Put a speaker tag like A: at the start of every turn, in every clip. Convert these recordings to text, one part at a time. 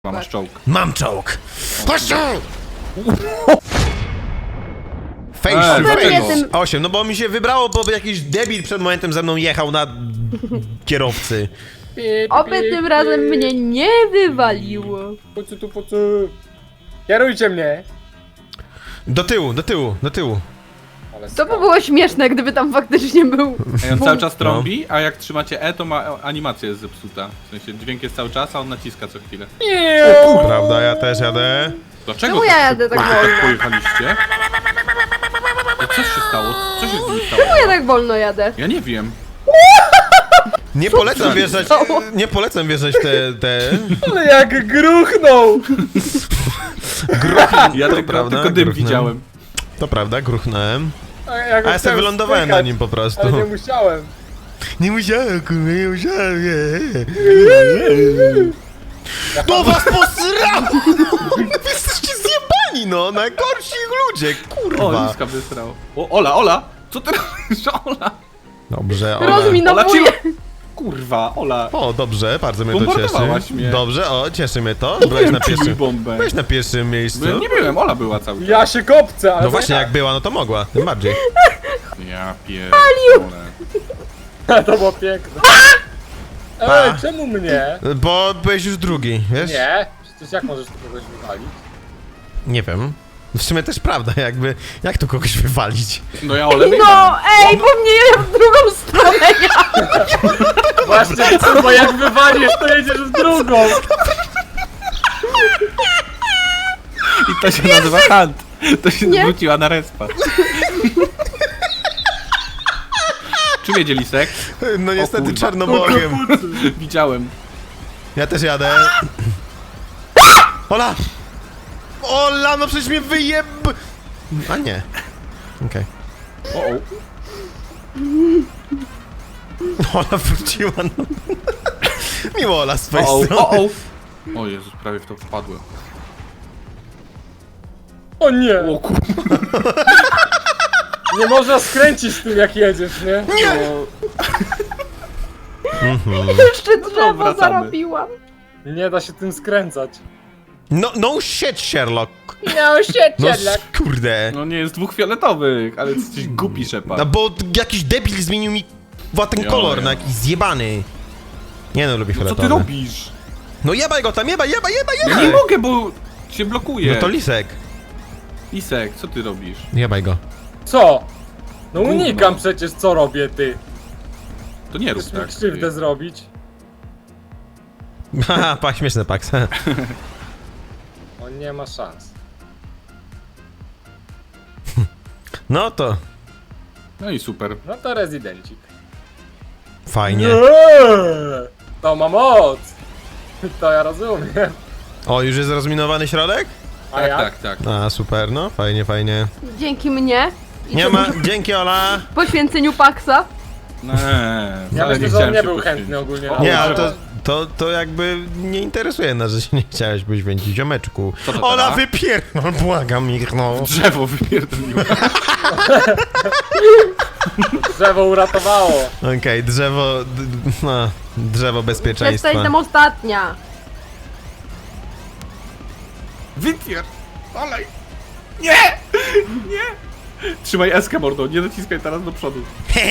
A: Masz czołg.
B: Mam czołg! Chodź tu!
A: dlaczego?
B: 8, no bo mi się wybrało, bo jakiś debil przed momentem ze mną jechał na kierowcy.
C: Oby tym razem mnie nie wywaliło.
D: Po co? Kierujcie mnie!
B: Do tyłu, do tyłu, do tyłu.
D: Ale
C: To by było śmieszne, gdyby tam faktycznie był.
A: Ej, on cały czas trąbi, a jak trzymacie E, to animacja jest zepsuta. W sensie dźwięk jest cały czas, a on naciska co chwilę.
B: Prawda, ja też jadę.
A: Dlaczego
C: Czemu ja jadę tak wolno?
A: tak pojechaliście? No co się stało? Co się z nim stało?
C: Czemu ja tak wolno jadę?
A: Ja nie wiem.
B: Nie polecam wjeżdżać,
C: stało?
B: nie polecam wjeżdżać te...
D: Ale jak gruchnął!
A: Ja
B: prawda,
A: tylko dym
B: gruchnę.
A: widziałem.
B: To prawda, gruchnąłem.
D: A
B: A ja sobie wylądowałem na nim po prostu.
D: Ale nie musiałem.
B: Nie musiałem, kurwa, nie musiałem. To was posrało! Wy jesteście zjebani, no! Najgorsi ludzie,
A: O,
B: kurwa!
A: Liska wysrał. O, Ola! Co ty robisz, Ola?
B: Dobrze, Ola.
A: Ola
C: Rozminowuję.
A: cię... Kurwa, Ola.
B: O, dobrze, bardzo mnie to
A: Bombardowałaś
B: cieszy.
A: mnie.
B: Dobrze, o, cieszy mnie to. Byłeś na
A: Czy mi
B: pierwszym.
A: bombę?
B: Byłeś na pierwszym
A: Bo ja
B: miejscu.
A: nie byłem, Ola była cały czas.
D: Ja się kopcę, ale
B: No właśnie, jak była, no to mogła, tym bardziej.
A: Ja pierdolę.
D: To było piękne.
B: Pa.
D: Ej, czemu mnie?
B: Bo byłeś już drugi, wiesz?
D: Nie. Przecież jak możesz tu kogoś wywalić?
B: Nie wiem. W sumie też prawda, jakby, jak tu kogoś wywalić?
A: No ja Ole
C: No, ej, bo mnie w drugą stronę ja.
D: Właśnie, bo jak wywalisz, to jedziesz w drugą.
A: I to się nazywa Hunt. To się
C: Nie.
A: zwróciła na respa. Czym jedzie Lisek?
B: No niestety
A: kurwa.
B: czarnobogiem.
A: Widziałem.
B: Ja też jadę. Ola! Ola, no przecież mnie wyjeb... A nie. Okej.
A: O,
B: Ola wróciła, no. Miło Ola z twojej
A: o,
B: strony.
A: o, o. O Jezus, prawie w to wpadłem.
D: O nie!
A: O kurwa.
D: Nie można skręcić z tym jak jedziesz, nie?
C: Jeszcze drzewo
A: wracamy.
C: zarobiłam.
D: Nie da się tym skręcać.
B: No shit, Sherlock.
D: No się
B: No kurde.
A: No nie jest dwóch fioletowych, ale jesteś głupi Shepard.
B: No bo jakiś debil zmienił mi ten kolor
A: Jo.
B: na jakiś zjebany. Nie no, lubię
A: No co
B: fioletowy.
A: ty robisz?
B: No jebaj go tam, jebaj!
A: Ja nie mogę, bo się blokuje.
B: No to lisek.
A: Lisek, co ty robisz?
B: Jebaj go.
D: Co? No
A: Gówno.
D: unikam przecież, co robię, ty.
A: To nie rób
D: Chcesz mi
A: tak.
D: krzywdę zrobić?
B: Haha, śmieszne Pax.
D: On nie ma szans.
B: No to
A: No i super.
D: No to rezydencik.
B: fajnie.
D: To ma moc! To ja rozumiem.
B: O, już jest rozminowany środek?
D: A
A: Tak,
D: jak?
A: tak, tak.
B: A, super, no, fajnie, fajnie.
C: Dzięki mnie. I
B: Nie ma, dzięki Ola.
C: poświęceniu Paxa.
A: Nie,
D: Ja
A: wcale
D: myślę, że
A: chciałem
D: on nie
A: się
D: był
A: poświęcić.
D: chętny ogólnie.
A: O,
D: na
B: Nie,
D: to.
B: ale to jakby nie interesuje nas, że się nie chciałeś poświęcić, ziomeczku.
A: Co to
B: Ola,
A: teraz?
B: wypierdol, błagam ich, no.
A: Drzewo wypierdoliłem.
D: Drzewo uratowało.
B: Okej, drzewo, no, drzewo
C: Jeszcze
B: bezpieczeństwa.
C: jestem ostatnia.
A: Wypier... Olej! Nie! Nie! Trzymaj eskę, mordo, nie naciskaj teraz do przodu.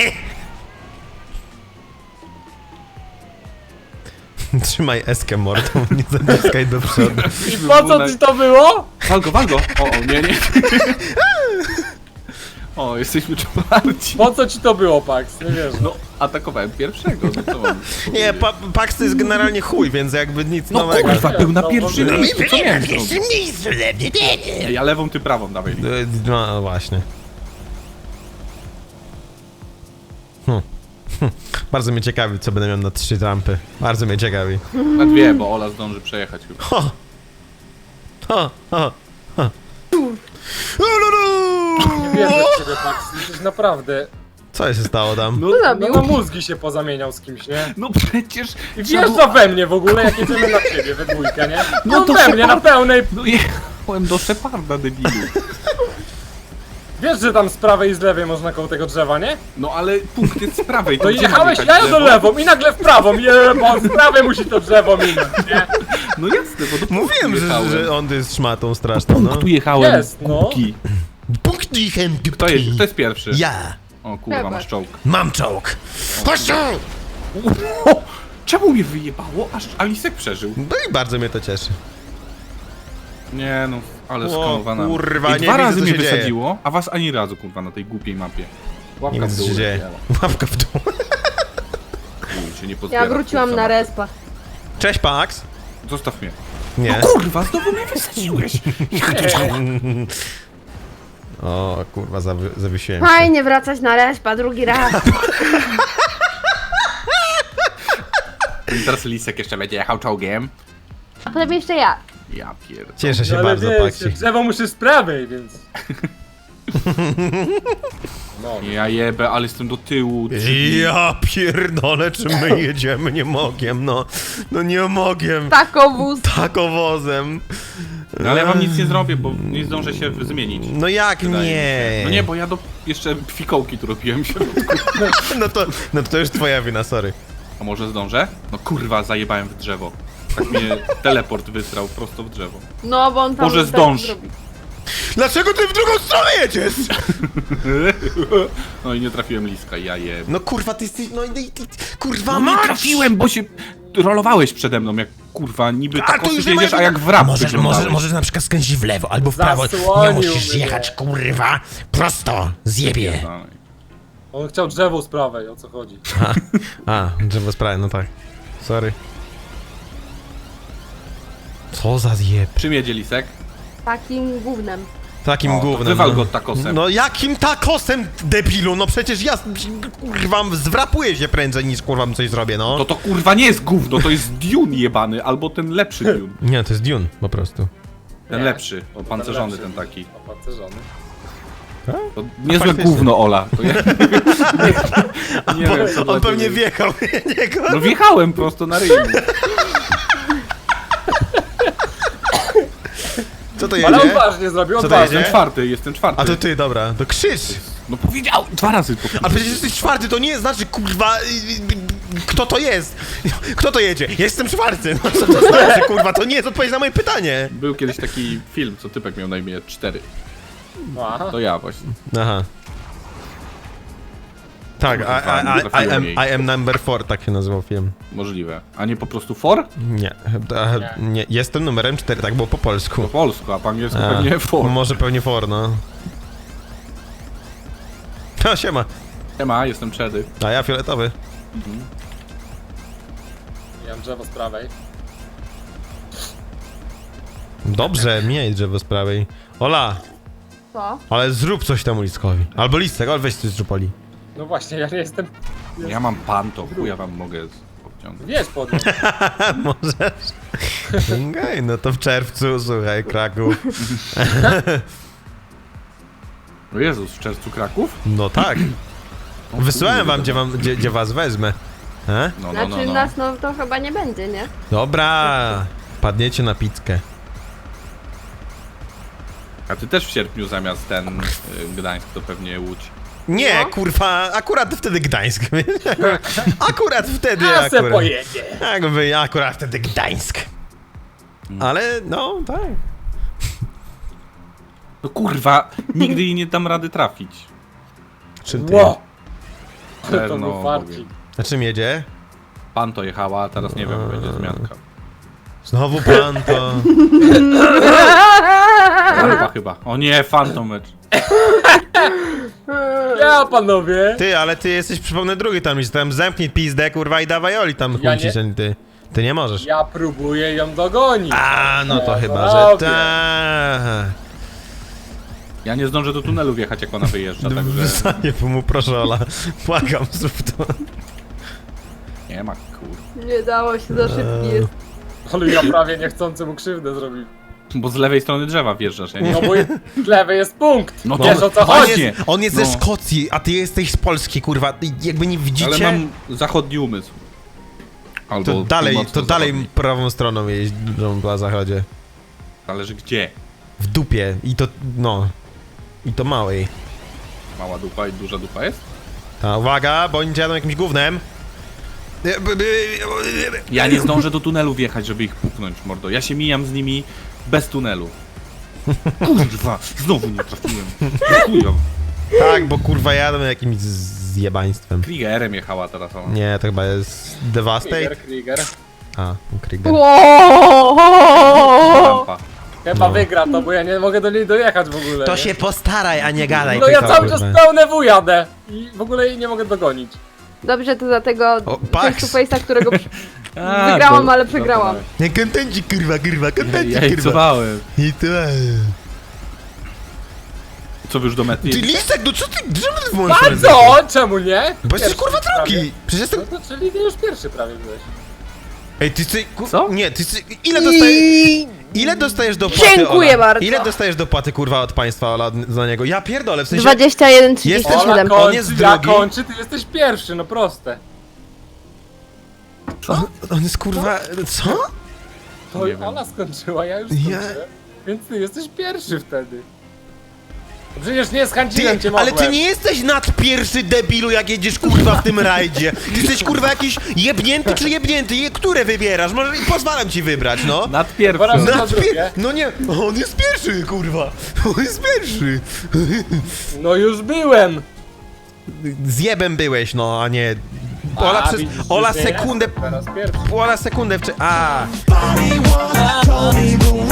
B: Trzymaj eskę mordą, nie zaciskaj do przodu.
D: I po co ci to było?
A: Wal go! O, nie, nie. O, jesteśmy czwarci.
D: Po co ci to było, Pax? Nie wiesz.
A: No, atakowałem pierwszego, no co mam?
B: Nie, Pax to jest generalnie chuj, więc jakby nic
A: No
B: nowego.
A: kurwa, był na
D: No,
A: pierwszym
D: no,
A: miejscu, co miałem zrobić?
B: miejscu,
A: Ja lewą, ty prawą, dawaj.
B: No właśnie. Bardzo mnie ciekawi, co będę miał na 3 trampy. Bardzo mnie ciekawi.
A: Na dwie, bo Ola zdąży przejechać chyba.
B: Ho! Ho! Ho! Ho!
D: Nie wierzę w ciebie, Pax. Jesteś naprawdę...
B: Co się stało tam?
A: No,
D: No
C: Zabił.
D: na mózgi się pozamieniał z kimś, nie?
A: no przecież...
D: I wjeżdża we mnie w ogóle, jak jedziemy na ciebie we dwójkę, nie?
A: No
D: No
A: to
D: we mnie, na pełnej...
A: No jechałem do Sheparda, debilu.
D: Wiesz, że tam z prawej i z lewej można koło tego drzewa, nie?
A: No ale punkt jest z prawej.
D: To
A: gdzie
D: jechałeś
A: mam
D: ja
A: jechać
D: do
A: w lewo?
D: lewą i nagle w prawą, bo z prawej musi to drzewo minąć, nie?
A: No jasne, bo do
B: Mówiłem,
A: punktu jechałem.
B: że on jest szmatą straszną, no.
A: Tu jechałem.
D: Jest, no.
A: Kubki.
B: Punkt jechem,
A: Kto jest pierwszy?
B: Ja.
A: O kurwa,
C: Chyba.
A: masz czołg.
B: Mam czołg. Chodź tu!
A: O, czemu mnie wyjebało, aż Alisek przeżył?
B: No i bardzo mnie to cieszy.
A: Nie no, ale
B: O,
A: skanowana.
B: kurwa,
A: I
B: nie
A: dwa
B: widzę,
A: razy
B: co
A: mnie
B: się dzieje.
A: wysadziło, a was ani razu, kurwa, na tej głupiej mapie. Łapka
B: Nie wiem,
A: w
B: co
A: dół
B: się dzieje.
A: leciała.
B: Łapka w dół.
A: Chuj, się nie pozbiera,
C: Ja wróciłam
A: kurwa,
C: na
A: mapy.
C: respa.
B: Cześć, Pax.
A: Zostaw mnie.
B: Nie.
A: No kurwa, znowu mnie wysadziłeś.
B: O, kurwa, zawiesiłem się.
C: Fajnie wracać na respa drugi raz.
A: I teraz Lisek jeszcze będzie jechał czołgiem.
C: A potem jeszcze ja.
A: Ja pierdolę.
B: Cieszę się
D: Ale
B: bardzo,
D: wiecie,
B: Paxi.
D: drzewo musi z prawej, więc... No,
A: Ja jebę, ale jestem do tyłu.
B: Ja pierdolę, czy my jedziemy? Nie mogiem, no. No nie mogiem.
C: Takowóz.
B: Takowozem.
A: No, ale ja wam nic nie zrobię, bo nie zdążę się zmienić.
B: No jak
A: Wydaje mi
B: nie?
A: się. No nie, bo ja jeszcze fikołki tu robiłem się.
B: No to już twoja wina, sorry.
A: A może zdążę? No kurwa, zajebałem w drzewo. Tak mnie teleport wysrał prosto w drzewo.
C: No bo on tam
A: Może
C: tak
A: zdąż.
C: zrobi.
B: Dlaczego ty w drugą stronę jedziesz?
A: No i nie trafiłem Liska, ja jebę.
B: No kurwa, ty jesteś, no i kurwa,
A: No nie trafiłem, bo się rolowałeś przede mną, jak kurwa, niby
B: A,
A: tak
B: to już
A: jedziesz,
B: nie
A: a
B: moja
A: jak w rap
B: Możesz na przykład skręcić w lewo albo w prawo. Nie
D: Zasłonił
B: musisz
D: mnie.
B: jechać, kurwa, prosto, zjebie.
D: on chciał drzewo z prawej, o co chodzi?
B: A, drzewo sprawy, no tak. Sorry. Co za zjeb.
A: Czym jedzie Lisek?
C: Takim gównem.
B: Takim
A: O, to
B: gównem.
A: wywal
B: no.
A: go takosem.
B: No jakim takosem, debilu? No przecież ja, kurwa, zwrapuję się prędzej niż kurwa coś zrobię, no.
A: To kurwa nie jest gówno, to jest Dune jebany, albo ten lepszy Dune.
B: Nie, to jest Dune, po prostu.
A: Ten
D: Nie.
A: lepszy, opancerzony
D: lepszy.
A: ten taki.
D: Opancerzony.
A: To niezłe
B: faktycznie.
A: gówno, Ola. To ja... nie wiem, co dla
B: On pewnie
A: ciebie.
B: wjechał w niego.
A: No wjechałem prosto na ryj.
B: Co to
D: Ale
B: jedzie?
D: odważnie zrobił,
B: Co to
D: odważnie.
B: jedzie?
A: Jestem czwarty.
B: A to ty, dobra, to krzyż.
A: No powiedział, dwa razy to.
B: A przecież jesteś czwarty, to nie znaczy, kurwa, kto to jest? Kto to jedzie? Ja jestem czwarty. No co to znaczy, kurwa, to nie jest odpowiedź na moje pytanie.
A: Był kiedyś taki film, co typek miał na imię 4.
D: Aha.
A: To ja właśnie.
B: Aha. Tak,
A: Trafiło jej.
B: I am number 4, tak się nazywał film.
A: Możliwe. A nie po prostu for?
B: Nie, nie, jestem numerem 4, tak było po polsku.
A: Po polsku, a po angielsku
B: A,
A: pewnie for.
B: Może pewnie for, no. No, siema.
A: Siema, jestem Czedy.
B: A ja fioletowy.
D: Ja mam drzewo z prawej.
B: Dobrze, miej drzewo z prawej. Ola,
C: Co?
B: ale zrób coś temu Liskowi. Albo Listek, ale weź coś zrób Oli.
D: No właśnie, ja nie jestem...
A: Ja mam panto, chuja wam mogę obciągnąć.
D: Wiesz pod nim.
B: Możesz? Okej, no to w czerwcu, słuchaj, Kraków.
A: O Jezus, w czerwcu Kraków?
B: No tak.
A: O
B: Wysłałem
A: kurde,
B: wam, gdzie was wezmę. E?
A: No, no,
C: Znaczy
A: no, no.
C: nas no to chyba nie będzie, nie?
B: Dobra, padniecie na pizzkę.
A: A ty też w sierpniu zamiast ten Gdańsk to pewnie Łódź.
B: Nie,
C: No.
B: kurwa, akurat wtedy Gdańsk. Akurat wtedy,
D: A se
B: akurat.
D: pojedzie.
B: Jakby akurat wtedy Gdańsk. Ale, no, tak.
A: No kurwa, nigdy jej nie dam rady trafić.
B: Czym ty?
D: Ło! To
A: Pewno,
D: był farcik.
B: Na czym jedzie?
A: Panto jechała, a teraz nie wiem, będzie zmianka.
B: Znowu pan to...
A: Chyba. O nie, Phantom Mecz.
D: Ja, panowie!
B: Ty, ale ty jesteś, przypomnę, drugi tam, tam zamknij pizdę, kurwa, i dawaj Oli tam
D: Ja
B: chłócić, a nie ty. Ty nie możesz.
D: Ja próbuję ją dogonić.
B: A, no to
D: Ja
B: chyba, że
D: robię.
B: tak.
A: Ja nie zdążę do tunelu wjechać, jak ona wyjeżdża, także
B: Wysanie mu, proszę Ola. Błagam, zrób to.
A: nie ma kur...
C: Nie dało się, za szybki jest.
D: Ale ja prawie niechcący mu krzywdę zrobił.
A: Bo z lewej strony drzewa wjeżdżasz, ja nie
D: No bo z lewej jest punkt.
A: No
D: Wiesz
A: to-
D: o co
B: On
D: chodzi?
B: jest, on jest ze
A: No.
B: Szkocji, a ty jesteś z Polski, kurwa. Jakby nie
A: Ale
B: widzicie,
A: mam zachodni umysł. Albo
B: to dalej
A: północno-zachodni.
B: prawą stroną jeździą na zachodzie.
A: Zależy gdzie.
B: W dupie. I to, no. I to małej.
A: Mała dupa i duża dupa jest?
B: Ta, uwaga, bo oni jadą jakimś gównem.
A: Ja nie zdążę do tunelu wjechać, żeby ich puknąć, mordo. Ja się mijam z nimi bez tunelu. Kurwa, znowu nie trafiłem. Chujo.
B: Tak, bo kurwa jadę jakimś zjebaństwem.
A: Kriegerem jechała teraz ona.
B: Nie, to chyba jest Devastate?
D: Krieger.
B: A, Krieger.
C: Wow.
A: Lampa.
D: Chyba
B: No.
D: wygra to, bo ja nie mogę do niej dojechać w ogóle.
B: To
D: nie?
B: się postaraj, a nie gadaj
D: No ja
B: tylko,
D: cały czas
B: kurwa.
D: pełne W jadę. I w ogóle jej nie mogę dogonić.
C: Dobrze, to za tego
B: O,
C: face
B: Pax.
C: to face'a, którego
A: A,
C: wygrałam,
A: to-
C: ale przegrałam.
B: Nie, kontenci, kurwa, kontenci, kurwa.
A: Jajcowałem.
B: I to...
A: Co wy już do mety?
B: Ty lisek, no co ty, czemu ty włączysz
D: A
B: ręce?
D: co? Czemu nie?
B: Bo jesteś
D: Pierwszy
B: kurwa
D: prawie.
B: drogi! Przecież jestem...
D: No to czyli ty już pierwszy prawie byłeś.
B: Ej, ty
A: Co?
B: Nie, ty ile dostajesz... Ile dostajesz dopłaty,
C: Dziękuję
B: Ola?
C: bardzo.
B: Ile dostajesz dopłaty, kurwa, od państwa, Ola, za niego? Ja pierdolę, w sensie...
C: 21,37.
B: Ola, on jest
D: ja
B: drugi.
D: kończy, ty jesteś pierwszy, no proste.
B: On jest kurwa... Co?
D: To
A: Nie wiem.
D: ona skończyła, ja już
B: Ja-
D: skończyłem. Więc ty jesteś pierwszy wtedy. No przecież nie zchęciłem cię,
B: ale ty
D: mogłem.
B: nie jesteś nad pierwszy, debilu, jak jedziesz kurwa w tym rajdzie. Ty jesteś kurwa jakiś jebnięty czy jebnięty? Które wybierasz? Może pozwalam ci wybrać, no.
A: Nad pierwszym.
D: Dwa razy.
B: Nad
D: drugie.
B: No nie, on jest pierwszy, kurwa. On jest pierwszy.
D: No już byłem.
B: Zjebem byłeś, no, a nie... Ola, przez...
D: widzisz,
B: Ola
D: już nie
B: sekundę...
D: jestem teraz pierwszy.
B: Ola sekundę... A.
E: Told me the